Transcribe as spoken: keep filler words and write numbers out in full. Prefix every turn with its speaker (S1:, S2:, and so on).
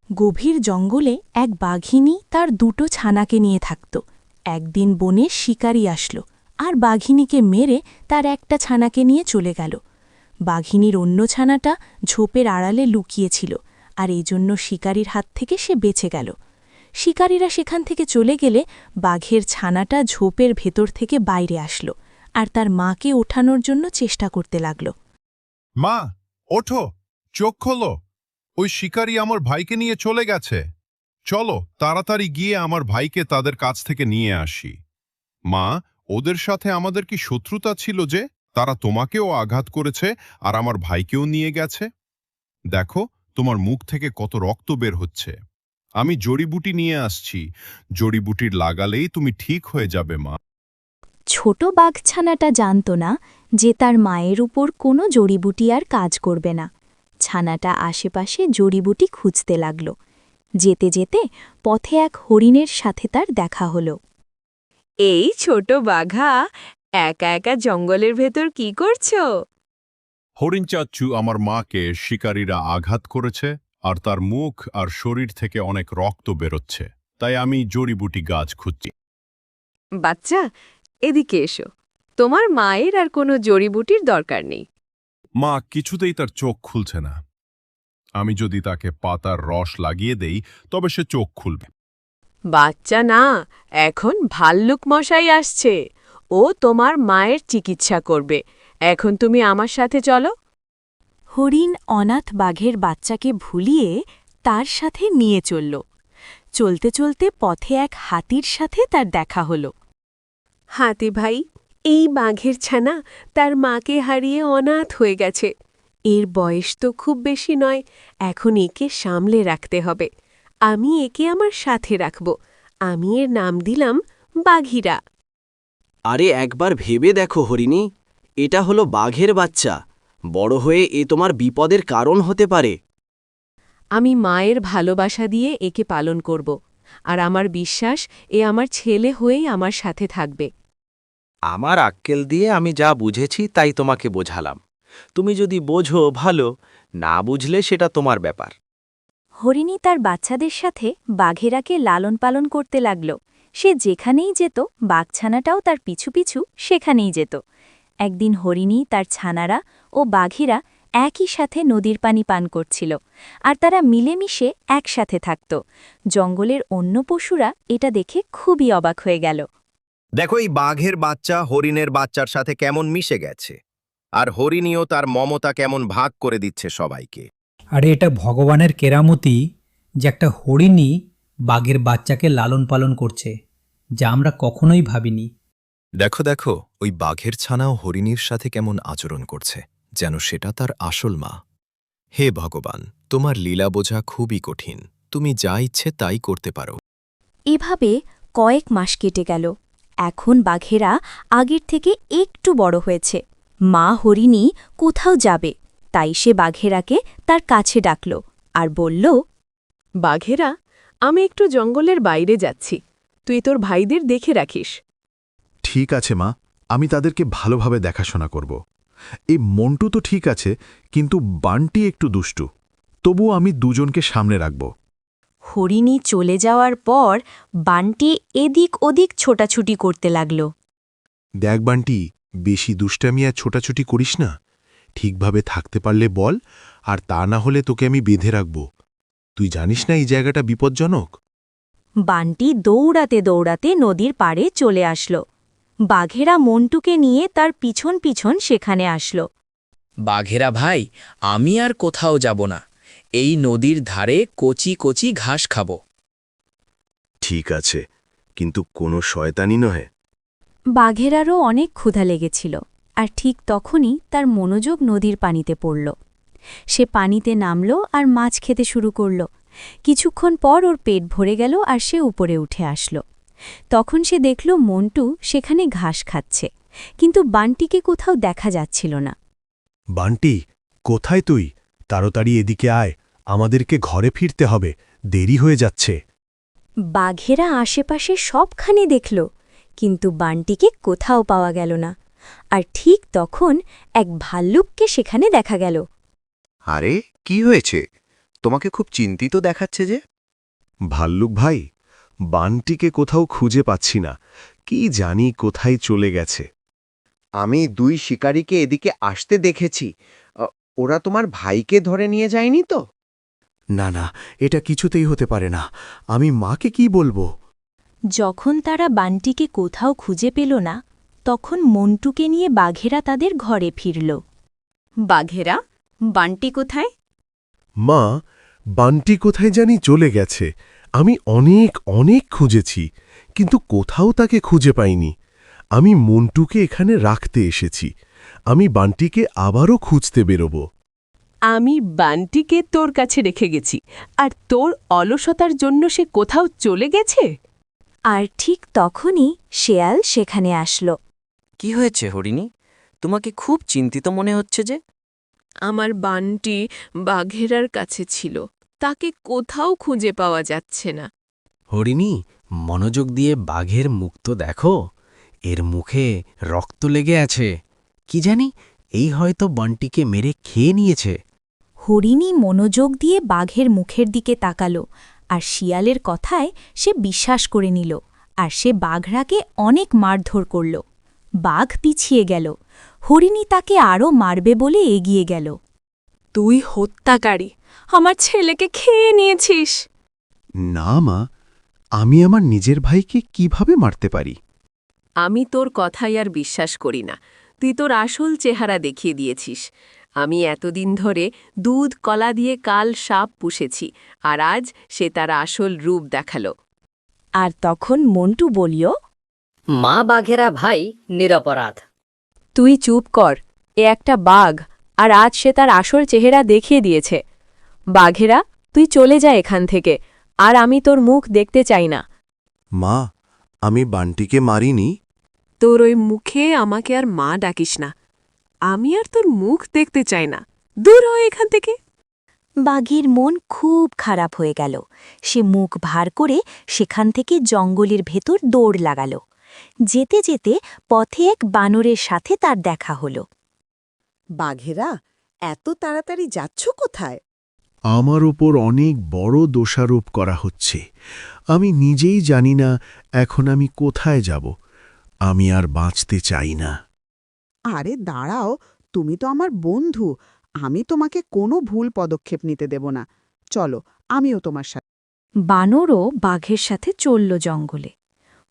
S1: গভীর জঙ্গলে এক বাঘিনী তার দুটো ছানাকে নিয়ে থাকত। একদিন বনে শিকারী আসলো আর বাঘিনীকে মেরে তার একটা ছানাকে নিয়ে চলে গেল। বাঘিনীর অন্য ছানাটা ঝোপের আড়ালে লুকিয়েছিল, আর এই জন্য শিকারীর হাত থেকে সে বেঁচে গেল। শিকারীরা সেখান থেকে চলে গেলে বাঘের ছানাটা ঝোপের ভেতর থেকে বাইরে আসলো আর তার মাকে ওঠানোর জন্য চেষ্টা করতে লাগল।
S2: মা, ওঠো, চোখ খোলো। ওই শিকারী আমার ভাইকে নিয়ে চলে গেছে। চলো তাড়াতাড়ি গিয়ে আমার ভাইকে তাদের কাছ থেকে নিয়ে আসি। মা, ওদের সাথে আমাদের কি শত্রুতা ছিল যে তারা তোমাকেও আঘাত করেছে আর আমার ভাইকেও নিয়ে গেছে? দেখো, তোমার মুখ থেকে কত রক্ত বের হচ্ছে। আমি জড়িবুটি নিয়ে আসছি, জড়িবুটির লাগালেই তুমি ঠিক হয়ে যাবে মা।
S1: ছোট বাঘছানাটা জানত না যে তার মায়ের উপর কোনো জড়িবুটি আর কাজ করবে না। ছানাটা আশেপাশে জড়িবুটি খুঁজতে লাগল। যেতে যেতে পথে এক হরিণের সাথে তার দেখা হলো।
S3: এই ছোট বাঘা, একা একা জঙ্গলের ভেতর কি করছো?
S2: হরিণ চাচ্চু আমার মাকে শিকারীরা আঘাত করেছে আর তার মুখ আর শরীর থেকে অনেক রক্ত বেরোচ্ছে, তাই আমি জড়িবুটি গাছ খুঁজছি।
S3: বাচ্চা, এদিকে এসো। তোমার মায়ের আর কোনো জড়িবুটির দরকার নেই।
S2: মা কিছুতেই তার চোখ খুলছে না। আমি যদি তাকে পাতার রস লাগিয়ে দেই তবে সে চোখ খুলবে।
S3: বাচ্চা না, এখন ভাল্লুক মশাই আসছে। ও তোমার মায়ের চিকিৎসা করবে। এখন তুমি আমার সাথে চলো।
S1: হরিণ অনাথ বাঘের বাচ্চাকে ভুলিয়ে তার সাথে নিয়ে চলল। চলতে চলতে পথে এক হাতির সাথে তার দেখা হল।
S3: হাতি ভাই, এই বাঘের ছানা তার মাকে হারিয়ে অনাথ হয়ে গেছে। এর বয়স তো খুব বেশি নয়, এখন একে সামলে রাখতে হবে। আমি একে আমার সাথে রাখব। আমি এর নাম দিলাম বাঘিরা।
S4: আরে একবার ভেবে দেখো হরিণী, এটা হলো বাঘের বাচ্চা। বড় হয়ে এ তোমার বিপদের কারণ হতে পারে।
S3: আমি মায়ের ভালোবাসা দিয়ে একে পালন করব, আর আমার বিশ্বাস এ আমার ছেলে হয়েই আমার সাথে থাকবে।
S5: আমার আক্কেল দিয়ে আমি যা বুঝেছি তাই তোমাকে বোঝালাম। তুমি যদি বোঝো ভালো, না বুঝলে সেটা তোমার ব্যাপার।
S1: হরিণী তার বাচ্চাদের সাথে বাঘেরাকে লালন পালন করতে লাগল। সে যেখানেই যেত বাঘছানাটাও তার পিছু পিছু সেখানেই যেত। একদিন হরিণী, তার ছানারা ও বাঘেরা একই সাথে নদীর পানি পান করছিল, আর তারা মিলেমিশে একসাথে থাকত। জঙ্গলের অন্য পশুরা এটা দেখে খুবই অবাক হয়ে গেল।
S6: দেখো, এই বাঘের বাচ্চা হরিণের বাচ্চার সাথে কেমন মিশে গেছে, আর হরিণীও তার মমতা কেমন ভাগ করে দিচ্ছে সবাইকে।
S7: আরে এটা ভগবানের কেরামতি যে একটা হরিণী বাঘের বাচ্চাকে লালন পালন করছে, যা আমরা কখনোই ভাবিনি।
S8: দেখো দেখো, ওই বাঘের ছানাও হরিণীর সাথে কেমন আচরণ করছে, যেন সেটা তার আসল মা। হে ভগবান, তোমার লীলা বোঝা খুবই কঠিন। তুমি যা ইচ্ছে তাই করতে পারো।
S1: এভাবে কয়েক মাস কেটে গেল। এখন বাঘেরা আগের থেকে একটু বড় হয়েছে। মা হরিণী কোথাও যাবে, তাই সে বাঘেরাকে তার কাছে ডাকল আর বলল,
S3: বাঘেরা, আমি একটু জঙ্গলের বাইরে যাচ্ছি। তুই তোর ভাইদের দেখে রাখিস।
S9: ঠিক আছে মা, আমি তাদেরকে ভালোভাবে দেখাশোনা করব। এই মন্টু তো ঠিক আছে, কিন্তু বানটি একটু দুষ্টু। তবু আমি দুজনকে সামনে রাখব।
S1: হরিণী চলে যাওয়ার পর বানটি এদিক ওদিক ছোটাছুটি করতে লাগল।
S9: দেখ বানটি, বেশি দুষ্টামি আর ছোটাছুটি করিস না। ঠিকভাবে থাকতে পারলে বল, আর তা না হলে তোকে আমি বেঁধে রাখব। তুই জানিস না এই জায়গাটা বিপজ্জনক।
S1: বানটি দৌড়াতে দৌড়াতে নদীর পাড়ে চলে আসল। বাঘেরা মন্টুকে নিয়ে তার পিছন পিছন সেখানে আসল।
S10: বাঘেরা ভাই, আমি আর কোথাও যাব না। এই নদীর ধারে কচি কচি ঘাস খাব।
S9: ঠিক আছে, কিন্তু কোনো শয়তানি নয়।
S1: বাঘেরারও অনেক ক্ষুধা লেগেছিল, আর ঠিক তখনই তার মনোযোগ নদীর পানিতে পড়ল। সে পানিতে নামল আর মাছ খেতে শুরু করল। কিছুক্ষণ পর ওর পেট ভরে গেল আর সে উপরে উঠে আসল। তখন সে দেখল মন্টু সেখানে ঘাস খাচ্ছে, কিন্তু বানটিকে কোথাও দেখা যাচ্ছিল না।
S9: বান্টি, কোথায় তুই? তাড়াতাড়ি এদিকে আয়, আমাদেরকে ঘরে ফিরতে হবে, দেরি হয়ে যাচ্ছে।
S1: বাঘেরা আশেপাশে সবখানে দেখল, কিন্তু বানটিকে কোথাও পাওয়া গেল না। আর ঠিক তখন এক ভাল্লুককে সেখানে দেখা গেল।
S6: আরে, কি হয়েছে?
S11: তোমাকে খুব চিন্তিত দেখাচ্ছে যে।
S9: ভাল্লুক ভাই, বানটিকে কোথাও খুঁজে পাচ্ছি না, কি জানি কোথায় চলে গেছে।
S11: আমি দুই শিকারীকে এদিকে আসতে দেখেছি। আ, ওরা তোমার ভাইকে ধরে নিয়ে যায়নি তো?
S12: না না, এটা কিছুতেই হতে পারে না। আমি মাকে কি বলবো?
S1: যখন তারা বানটিকে কোথাও খুঁজে পেল না, তখন মন্টুকে নিয়ে বাঘেরা তাদের ঘরে ফিরল।
S3: বাঘেরা, বানটি কোথায়?
S9: মা, বানটি কোথায় জানি চলে গেছে। আমি অনেক অনেক খুঁজেছি, কিন্তু কোথাও তাকে খুঁজে পাইনি। আমি মন্টুকে এখানে রাখতে এসেছি। আমি বানটিকে আবারও খুঁজতে বেরোব।
S3: আমি বানটিকে তোর কাছে রেখে গেছি, আর তোর অলসতার জন্য সে কোথাও চলে গেছে।
S1: আর ঠিক তখনই শেয়াল সেখানে আসলো।
S4: কি হয়েছে হরিণী? তোমাকে খুব চিন্তিত মনে হচ্ছে যে।
S3: আমার বানটি বাঘেরার কাছে ছিল, তাকে কোথাও খুঁজে পাওয়া যাচ্ছে না।
S5: হরিণী, মনোযোগ দিয়ে বাঘের মুখ তো দেখো। এর মুখে রক্ত লেগে আছে। কি জানি, এই হয়তো বনটিকে মেরে খেয়ে নিয়েছে।
S1: হরিণী মনোযোগ দিয়ে বাঘের মুখের দিকে তাকালো, আর শিয়ালের কথায় সে বিশ্বাস করে নিল, আর সে বাঘরাকে অনেক মারধর করল। বাঘ পিছিয়ে গেল। হরিণী তাকে আরও মারবে বলে এগিয়ে গেল।
S3: তুই হত্যাকারী, আমার ছেলেকে খেয়ে নিয়েছিস।
S12: না মা, আমি আমার নিজের ভাইকে কিভাবে মারতে পারি?
S3: আমি তোর কথাই আর বিশ্বাস করি না। তুই তোর আসল চেহারা দেখিয়ে দিয়েছিস। আমি এতদিন ধরে দুধ কলা দিয়ে কাল সাপ পুষেছি, আর আজ সে তার আসল রূপ দেখালো।
S1: আর তখন মন্টু বলিল,
S13: মা বাঘেরা ভাই নিরপরাধ।
S3: তুই চুপ কর, এ একটা বাঘ, আর আজ সে তার আসল চেহারা দেখিয়ে দিয়েছে। বাঘেরা, তুই চলে যা এখান থেকে, আর আমি তোর মুখ দেখতে চাই না।
S12: মা, আমি বানটিকে মারিনি।
S3: তোর ওই মুখে আমাকে আর মা ডাকিস না। আমি আর তোর মুখ দেখতে চাই না। দূর হয় এখান থেকে।
S1: বাঘের মন খুব খারাপ হয়ে গেল। সে মুখ ভার করে সেখান থেকে জঙ্গলের ভেতর দৌড় লাগাল। যেতে যেতে পথে এক বানরের সাথে তার দেখা হল।
S14: বাঘেরা, এত তাড়াতাড়ি যাচ্ছ কোথায়?
S9: আমার ওপর অনেক বড় দোষারোপ করা হচ্ছে। আমি নিজেই জানি না এখন আমি কোথায় যাব। আমি আর বাঁচতে চাই না।
S14: আরে দাঁড়াও, তুমি তো আমার বন্ধু। আমি তোমাকে কোনো ভুল পদক্ষেপ নিতে দেব না। চলো, আমিও তোমার সাথে।
S1: বানরও বাঘের সাথে চলল জঙ্গলে।